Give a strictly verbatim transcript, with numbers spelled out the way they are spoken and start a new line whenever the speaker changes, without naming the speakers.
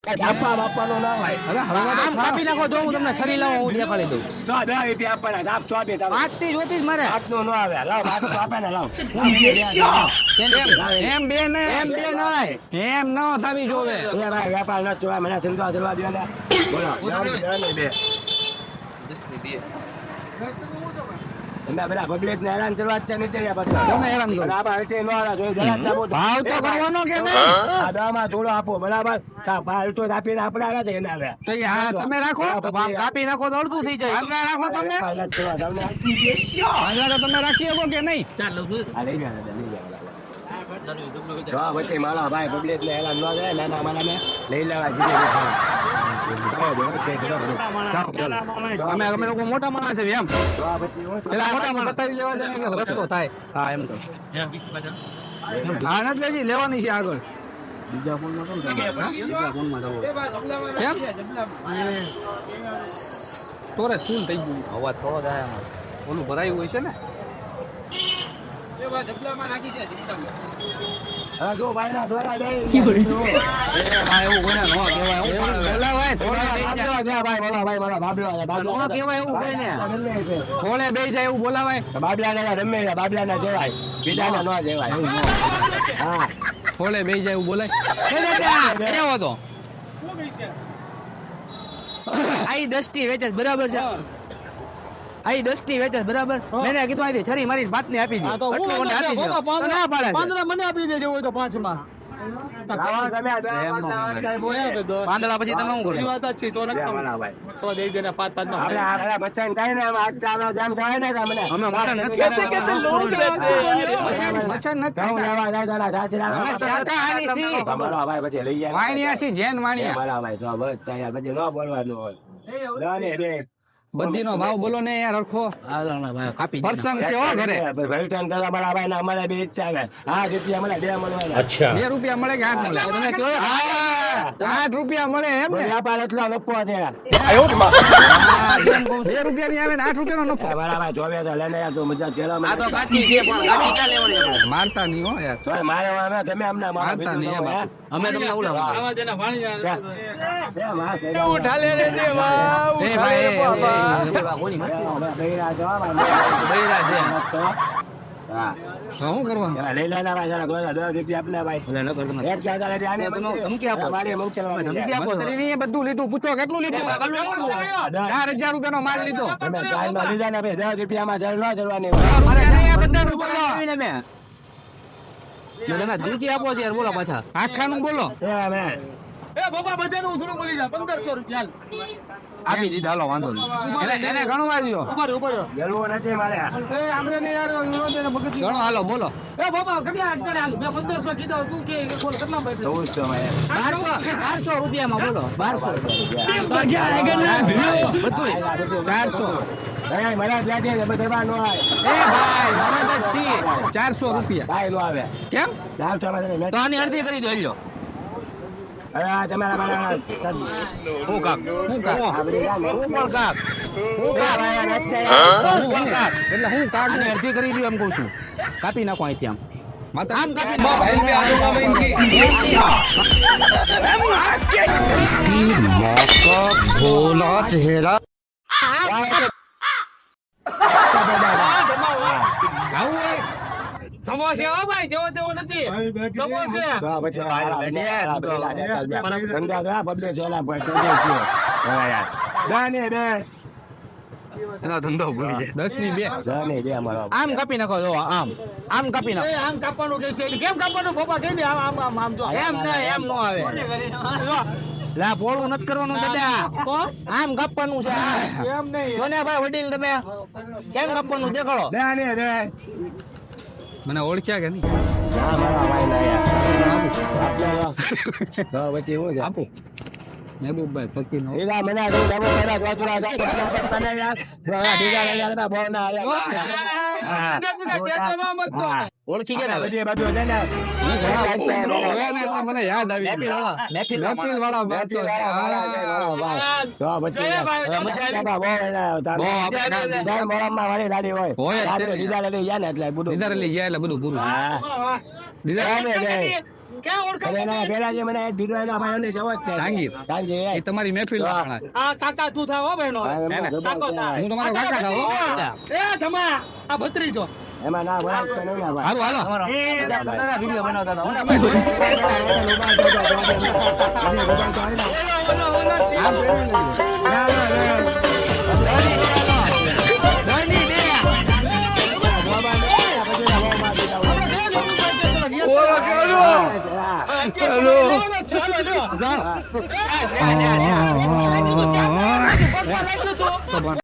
આપવા બાપાનો ના હોય.
અરે હળવા
આમ કાપી નાખો જો હું તમને છરી લાવો હું દેખાડી દઉં.
તો દસ રૂપિયા આપવાના આપ છો બે તારો
પાંચ થી જોતી જ મારે
આટલો ન આવે લાવ આપ તો આપે ને લાવ
એમ બે ને
એમ બે નય
એમ ન થવી જોવે.
એ ભાઈ વેપાર ન જોવા મને ધંધો કરવા દો ને બોલો જવાની બે તમે બધા પબ્લિક ને હેરાન કરવા છે નીચે બધા
કોને હેરાન કરો?
બરાબર હલચે ન હાલા જોઈ જરા આપો
ભાવ તો કરવાનો કે નહીં?
આ દામાં થોડો આપો બરાબર કા ભાવ તો આપીને આપણે આલા છે એના લે
તો એ હા તમે રાખો.
આમ કાપી નાખો તો અડધું થઈ જાય.
આપણે રાખો તમે.
વેપાર ન જોવા તમને
પાંજરા તો તમે રાખી શકો કે નહીં?
આ લઈ ગયા લઈ ગયા તો પછી મારા ભાઈ પબ્લિક ને હેરાન ન થાય નાના મારા ને લઈ લેવા જીતે
અમે અમે લોકો મોટા માણસ છે એમ.
પેલા મોટા માં બતાવી લેવા દે ને એટલે રસ્તો થાય.
હા એમ તો
હા નથી લેજી લેવાની છે આગળ.
બીજા ફોન માં કેમ
બીજા ફોનમાં જવું.
કેમ? તોરે ફૂલ થઈ ગયું.
અવાજ થોડો થાય આમાં.
ઓલું ભરાયું હોય છે ને.
હા જો ભાઈ ના દ્વારા દે
હા એવું કોઈને ન કહેવાય. હું
બોલાવાય થોડા બેસી જાય.
ભાઈ બોલા ભાઈ બોલા બાબલા
ન કહેવાય એવું કોઈને.
થોડે બેસી જાય એવું બોલાવાય.
બાબલા ના રમે બાબલા ના જવાય બીજા ના ન જવાય હા
થોડે બેસી જાય એવું બોલાય.
કેવો તો આઈ દસ થી વેચે છે, બરાબર છે. આઈ દસ થી વેચે છે, બરાબર. મેને કીધું આઈ છરી મારી ભાત ને આપી દે. એટલું મને આપી દે. તો ના પાડે છે.
મને આપી દેજો હોય તો પાંચ માં
લાવા ગમે આ દવા
પાંદડા પછી તમે શું કરો?
એ વાત જ છે તો નક્કી
ભાઈ
તો દઈ દેને પાંચ પાંચ નો
આપણે આ બચ્ચા ને કાઈ ને આજ ચાલો જામ થાય ને તમને
અમે મોટા નથી
कैसे कैसे लोग रहते हैं
મચ્છર નથી
કહું
ખાતા.
લેવા જાય તારા સાચરા
અમે શાકાહારી છીએ.
તમારો ભાઈ પછી લઈ જાય
વાણિયા છીએ, જૈન વાણિયા.
મારા ભાઈ તો બસ તૈયાર પછી ન બોલવાનું હોય લાને રે
બધી નો ભાવ બોલો ને યાર હરખો.
કાપી દે.
પ્રસંગ છે હો ઘરે.
ભરતન કરવા મારા ભાઈ ને અમારે બે ઈચ્છા છે હા રૂપિયા મને બે મળવાના
બે રૂપિયા મળે કે આઠ મળે?
તમે કહો
આઠ રૂપિયા મળે એમ ને?
વ્યાપાર એટલો નફો છે
હા, એમ કહું છું. બે રૂપિયા ની આવે ને આઠ રૂપિયા નો નફો.
મારા ભાઈ જોવે તો લઈને યાર તું મજા કેલા
આ તો કાચી છે પણ કાચી ક્યાં લેવાની આપણે?
મારતા નહીં હો યાર.
તો મારે અમે તમે અમને મારા
મારતા નહીં
ભેગું
એમ.
કરો,
અમે તમને ઉલાવો.
આવા દેના પાણી
હે? એ વાહ, કઈ જાઓ.
ઉઠા લે રે દેવા
એ
ઉઠા
ભાઈ,
લે
એ,
બાબા
એવા કોની મસ્તી?
અમે બૈરા છો, ભાઈ.
બૈરા છે.
મસ્ત. હા.
તો શું કરવાનું?
એવા લઈ લેના ભાઈ જરા દોઢ દસ રૂપિયા આપને ભાઈ
ઓલે ન કર તમે.
એક ચાદર એટલે આને
તમે ધમકી આપો.
મારી મૂંછલવાની છે.
ધમકી આપો છો.
મંત્રીએ બધું લીધું, પૂછો કેટલું લીધું? ચાર હજાર રૂપિયા નો માલ લીધો.
તમે ચારમાં લીધા ને ભાઈ દસ રૂપિયામાં જળ ન જળવાની હોય.
મારે નહીં આ બધાનું બોલો.
આવીને મેં. મેં તમે ધમકી આપો છો યાર, બોલો પાછા.
આખાનું બોલો.
એવા મેં
એ બાબા બધાનું થોડું બોલી જા પંદરસો રૂપિયા
આપી દીધા, હાલો વાંધો નહીં.
એને એને ગણવા દ્યો.
ઉભા રહ્યો ઉભા રહ્યો
ગળવું નથી મારે
એ આપણે ને યાર વિરોધ એને મગજ
ગણો હાલો બોલો.
એ બાબા કેટલા અટકણે હાલ મેં પંદરસો કીધો તું કે બોલ કેટલા ભાઈ
ચૌદસો માં
બારસો બારસો રૂપિયામાં બોલો. બારસો
બધું ચારસો.
ભાઈ મને જ લાગે છે બધા નો આવે
એ ભાઈ મરદ જ છીએ. ચારસો રૂપિયા.
કાંઈ નો આવે
કેમ?
ચારસો માં તમે
તો આની અડધી કરી દો લ્યો.
હવે આ તમારા મારા
હું કાક
હું કાક?
આ બધી કામ
હું પણ કાક હું કાક
ભાઈ આ નથી
હું હું કાક? એટલે હું કાક
આની અડધી કરી દો એમ કહું છું. કાપી નાખો અહીંથી આમ
માતા
આમ કાપી નાખો.
આવું હોય?
ધમો છે હો ભાઈ જેવો તેવો નથી ધમો છે
હા, પછી આ પેલા પેલા ધંધા તો આ બદલે છે એલા ભાઈ તો દે છે. હવે યાર દાને બે
એનો ધંધો ભૂલી જાય.
દસ ની બે.
દાને બે અમારો
આમ કાપી નાખો જો આમ આમ કાપી નાખો.
એ આમ કાપવાનું કે છે કેમ કાપવાનું બાબા કહી દે આમ આમ આમ આમ જો
એમ ન એમ નો આવે. લા પોળું નથી કરવાનું દાદા,
કોણ
આમ કાપવાનું છે.
એમ નહીં
જોને ભાઈ વડીલ તમે કેમ કાપવાનું દેખાડો.
દાને બે
મને ઓળખ્યા કે નહીં?
ના મારા ભાઈ ના યાર આપણે હા પછી હું છે
આપો. મહેબૂબભાઈ ફકીર નો.
એલા મને આ ડબો પેલા જોતરા જા તને યાર હા દીગા લે યાર બહુ ના હા હા
ઓળખી ગયા ને હવે?
બધી બધું છે ને
હવે ને એટલે મને યાદ આવી
મહેફિલ વાળા મહેફિલ
મહેફિલ વાળા બાદ છે.
તો પછી
હવે મજા આવી?
બહુ એના
બહુ આપણે
દર મોરમમાં વાળી લાડી હોય
હોય જ
રાત્રે
તે.
દીદા લઈ ગયા ને એટલે બધું
દીદારે લઈ ગયા એટલે બધું પૂરું.
હા
દીદારે
દાને બે
ક્યાં ઓળખાણ
અરે ના, પેલા જે મને દીધો એના ભાઈઓને જવો જ છે.
જાંગીર.
જાંગીર,
એ
એ.
તમારી મહેફિલ
હા.
આ કાકા તું થાવ હો બહેનો
હા, એમાં જબર
કાકો
છે.
થા.
હું તમારો કાકા થાવ, હો.
એ જમા આ ભત્રીજો
એમાં ના ભરાય તો નહીં ના ભાઈ.
હારું હાલો
એ
વિડીયો બનાવતા હતા હો ને
એના લોબા જો, જો, જો, જો. એના લોબા તો આવે ને.
ઓલો ઓલો ઓલો
આમ કરે ને. ના, ના, ના.
ધોની બે.
લોબા નહીં, આ પછી લોબા દીધા હોય.
ઓલો કેવો?
હા.
ચાલો
જાઓ.
ચાલો